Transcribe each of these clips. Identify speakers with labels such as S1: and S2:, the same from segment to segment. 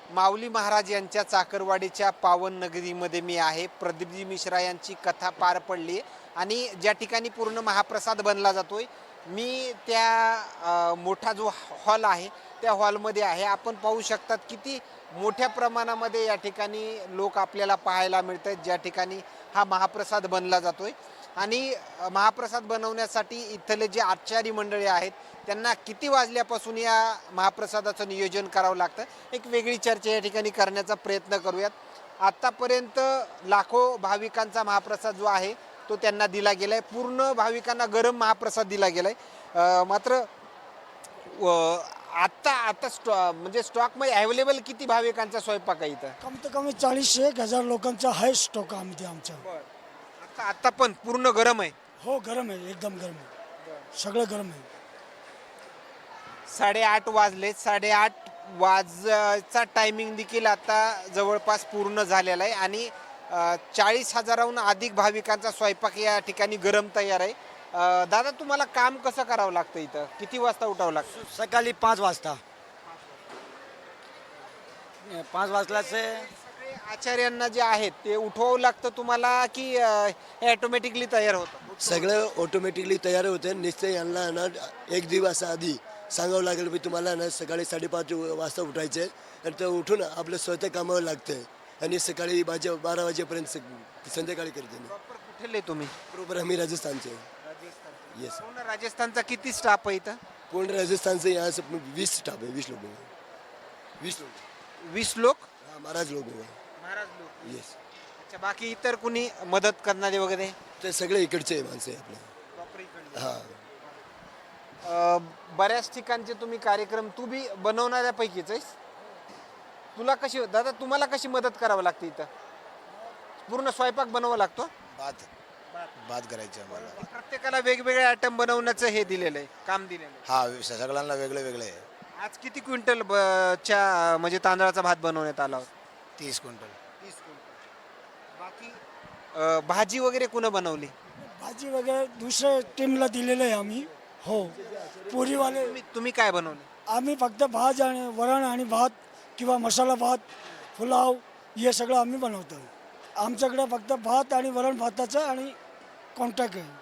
S1: माऊली महाराज यांच्या चाकरवाडीच्या पावन नगरीमध्ये मी आहे. प्रदीपजी मिश्रा यांची कथा पार पडली आणि ज्या ठिकाणी पूर्ण महाप्रसाद बनला जातोय, मी त्या मोठा जो हॉल आहे त्या हॉलमध्ये आहे. आपण पाहू शकतात किती मोठ्या प्रमाणामध्ये या ठिकाणी लोक आपल्याला पाहायला मिळत आहेत, ज्या ठिकाणी हा महाप्रसाद बनला जातोय. आणि महाप्रसाद बनवण्यासाठी इथले जे आचारी मंडळी आहेत त्यांना किती वाजल्यापासून या महाप्रसादाचं नियोजन करावं लागतं, एक वेगळी चर्चा या ठिकाणी करण्याचा प्रयत्न करूयात. आत्तापर्यंत लाखो भाविकांचा महाप्रसाद जो आहे तो त्यांना दिला गेलाय. पूर्ण भाविकांना गरम महाप्रसाद दिला गेलाय. मात्र आत्ता आता म्हणजे स्टॉकमध्ये अवेलेबल किती भाविकांचा स्वयंपाक आहे इथं?
S2: कमीत कमी 40-1,000 लोकांचा आहे स्टॉक आमच्या.
S1: आता पण पूर्ण गरम आहे.
S2: हो, गरम आहे, एकदम गरम आहे, सगळं गरम आहे.
S1: 8:30 वाजले. 8:30 वाजचा टायमिंग देखील आता जवळपास पूर्ण झालेला आहे आणि 40,000हून अधिक भाविकांचा स्वयंपाक या ठिकाणी गरम तयार आहे. दादा, तुम्हाला काम कसं करावं लागतं इथं? किती वाजता उठावं लागतं?
S3: सकाळी 5 वाजता. 5 वाजल्याचे
S1: सगळे आचार्यांना जे आहेत ते उठवावं लागतं तुम्हाला की हे ऑटोमॅटिकली तयार होतं?
S4: सगळं ऑटोमॅटिकली तयार होते. निश्चय यांना ना एक दिवस आधी सांगावं लागेल की तुम्हाला ना सकाळी 5:30 वाजता उठायचे आणि ते उठून आपलं स्वतः कामावर लागतं आणि सकाळी 12 वाजेपर्यंत संध्याकाळी करते.
S1: प्रॉपर कुठले तुम्ही?
S4: बरोबर, आम्ही राजस्थानचे. येस,
S1: पूर्ण राजस्थानचा किती स्टाफ आहे इथं?
S4: पूर्ण राजस्थानचे यहाँ से 20 स्टाफ है, 20 लोग हैं. 20 लोग.
S1: 20 लोक?
S4: हाँ, महाराज लोग हैं.
S1: महाराज लोक.
S4: येस.
S1: अच्छा, बाकी इतर कुणी मदत करणारे वगैरे?
S4: ते सगळे इकडचे माणसं आहे आपले.
S1: प्रॉपर इकडले.
S4: हां.
S1: बऱ्याच ठिकाणचे तुम्ही कार्यक्रम तू बी बनवणाऱ्यापैकीच आहेस. तुला कशी दादा, तुम्हाला कशी मदत करावं लागते इथं? पूर्ण स्वयंपाक बनवावा लागतो?
S5: बात करायची आम्हाला.
S1: प्रत्येकाला वेगवेगळे आयटम बनवण्याचं हे दिलेलं आहे, काम दिलेलं आहे.
S5: हा, सगळ्यांना वेगळे वेगळे आहे.
S1: आज किती क्विंटल च्या म्हणजे तांदळाचा भात बनवण्यात आला होता?
S5: 30 क्विंटल.
S1: 30 क्विंटल. बाकी भाजी वगैरे कुणं बनवली?
S2: भाजी वगैरे दुसऱ्या टीमला दिलेलं आहे आम्ही. हो, पुरीवाले.
S1: तुम्ही काय बनवलं?
S2: आम्ही फक्त भात आणि वरण आणि भात किंवा मसाला भात, पुलाव हे सगळं आम्ही बनवतो. आमच्याकडे फक्त भात आणि वरण भाताचं आणि कॉन्टॅक्ट आहे.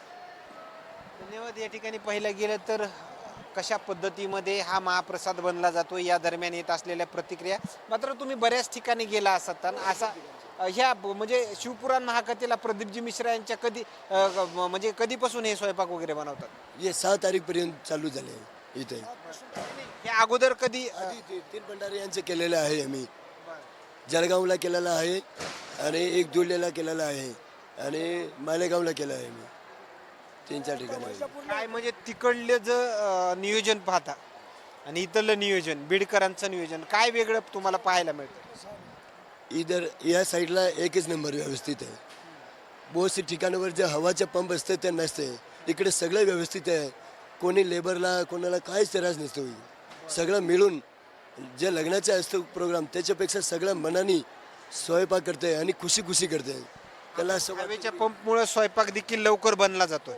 S1: धन्यवाद. या ठिकाणी पाहिलं गेलं तर कशा पद्धतीमध्ये हा महाप्रसाद बनला जातो या दरम्यान येत असलेल्या प्रतिक्रिया. मात्र तुम्ही बऱ्याच ठिकाणी गेला असताना असा ह्या म्हणजे शिवपुराण महाकथेला प्रदीपजी मिश्रा यांच्या कधी म्हणजे कधीपासून हे स्वयंपाक वगैरे बनवतात?
S4: हे 6 तारीखपर्यंत चालू झाले इथे.
S1: हे अगोदर कधी
S4: 3 भंडारे यांचे केलेले आहे. आम्ही जळगावला केलेला आहे आणि एक दुर्लेला केलेला आहे आणि मालेगावला केलं आहे. मी 3-4 ठिकाणी.
S1: काय म्हणजे तिकडले जर नियोजन पाहता आणि इथलं नियोजन, बीडकरांचं नियोजन काय वेगळं तुम्हाला पाहायला मिळतं?
S4: इधर या साईडला एकच नंबर व्यवस्थित आहे. बहुत सी ठिकाणावर जे हवाचे पंप असते ते नसते. इकडे सगळं व्यवस्थित आहे. कोणी लेबरला कोणाला काहीच त्रास नसतो. सगळं मिळून जे लग्नाचे असतं प्रोग्राम त्याच्यापेक्षा सगळं मनाने स्वयंपाक करते आणि खुशी खुशी करते. त्याला
S1: हवेच्या पंपमुळे स्वयंपाक देखील लवकर बनला जातो.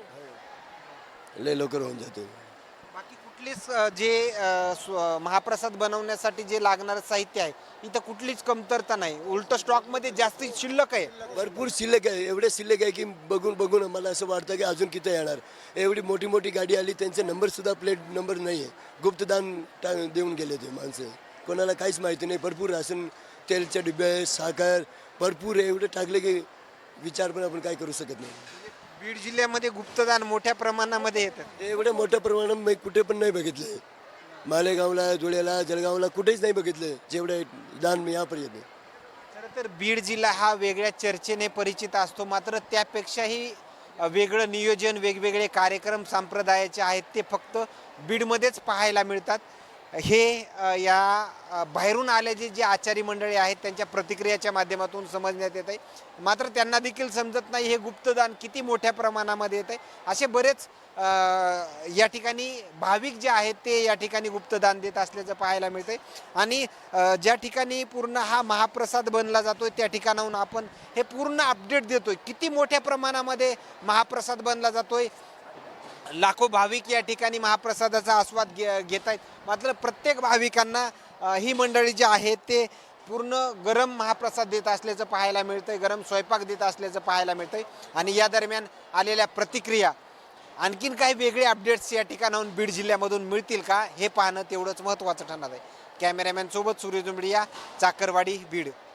S4: लय लवकर होऊन जातो.
S1: बाकी कुठलीच जे महाप्रसाद बनवण्यासाठी जे लागणारं साहित्य आहे इथं कुठलीच कमतरता नाही, उलट स्टॉकमध्ये जास्त शिल्लक आहे.
S4: भरपूर शिल्लक आहे. एवढे शिल्लक आहे की बघून बघून मला असं वाटतं की अजून किती येणार. एवढी मोठी मोठी गाडी आली, त्यांचे नंबरसुद्धा प्लेट नंबर नाही आहे. गुप्तदान देऊन गेले ते माणसं. कोणाला काहीच माहिती नाही. भरपूर राशन, तेलचे डिबे, साखर भरपूर एवढे टाकले की विचार पण आपण काय करू शकत नाही.
S1: बीड जिल्ह्यामध्ये गुप्तदान मोठ्या प्रमाणामध्ये येतं.
S4: एवढ्या मोठ्या प्रमाणात मी कुठे पण नाही बघितले. मालेगावला, धुळ्याला, जळगावला कुठेच नाही बघितलं जेवढे दान मी यापर्यंत.
S1: खरं तर बीड जिल्हा हा वेगळ्या चर्चेने परिचित असतो, मात्र त्यापेक्षाही वेगळं नियोजन, वेगवेगळे कार्यक्रम संप्रदायाचे आहेत ते फक्त बीडमध्येच पाहायला मिळतात. हे या बाहेरून आलेले जे आचारी मंडळी आहेत त्यांच्या प्रतिक्रियाच्या माध्यमातून समजण्यात येत आहे. मात्र त्यांना देखील समजत नाही हे गुप्तदान किती मोठ्या प्रमाणामध्ये येत आहे. असे बरेच या ठिकाणी भाविक जे आहेत ते या ठिकाणी गुप्तदान देत असल्याचं पाहायला मिळतंय. आणि ज्या ठिकाणी पूर्ण हा महाप्रसाद बनला जातोय त्या ठिकाणाहून आपण हे पूर्ण अपडेट देतोय किती मोठ्या प्रमाणामध्ये महाप्रसाद बनला जातोय. लाखो भाविक या ठिकाणी महाप्रसादाचा आस्वाद घेत आहेत. मात्र प्रत्येक भाविकांना ही मंडळी जी आहेत ते पूर्ण गरम महाप्रसाद देत असल्याचं पाहायला मिळतंय, गरम स्वयंपाक देत असल्याचं पाहायला मिळतंय. आणि या दरम्यान आलेल्या प्रतिक्रिया, आणखीन काही वेगळे अपडेट्स या ठिकाणाहून बीड जिल्ह्यामधून मिळतील का हे पाहणं तेवढंच महत्त्वाचं ठरणार आहे. कॅमेरामॅन सोबत सूर्य जुंबडिया, चाकरवाडी, बीड.